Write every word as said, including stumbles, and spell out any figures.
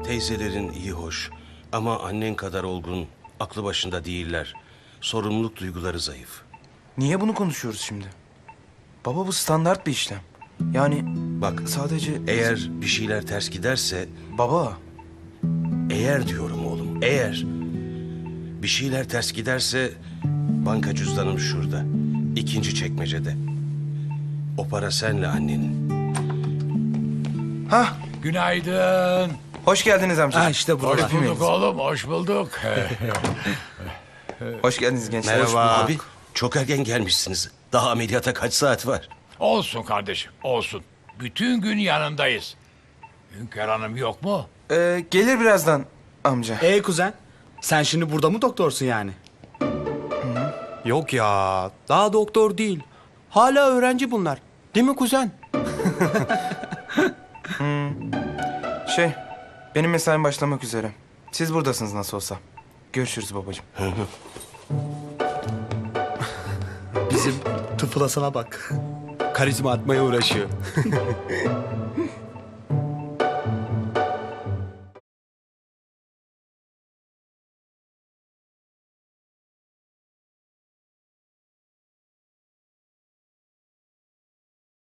Teyzelerin iyi hoş ama annen kadar olgun, aklı başında değiller. Sorumluluk duyguları zayıf. Niye bunu konuşuyoruz şimdi? Baba bu standart bir işlem. Yani Bak sadece... eğer bir şeyler ters giderse, Baba, eğer diyorum oğlum, eğer bir şeyler ters giderse banka cüzdanım şurada, ikinci çekmecede. O para senle annenin. hah, Günaydın. hoş geldiniz amca. Ha işte burada. Hoş bulduk oğlum, hoş bulduk. Hoş geldiniz gençler. Merhaba Hoş bulduk. abi. Çok erken gelmişsiniz. Daha ameliyata kaç saat var? Olsun kardeşim, olsun. Bütün gün yanındayız. Hünkar Hanım yok mu? Ee, gelir birazdan amca. Ee kuzen, sen şimdi burada mı doktorsun yani? Yok ya, daha doktor değil. Hala öğrenci bunlar. Değil mi kuzen? Şey, benim mesaim başlamak üzere. Siz buradasınız nasıl olsa. Görüşürüz babacığım. Bizim tıfılasına bak. Karizma atmaya uğraşıyor.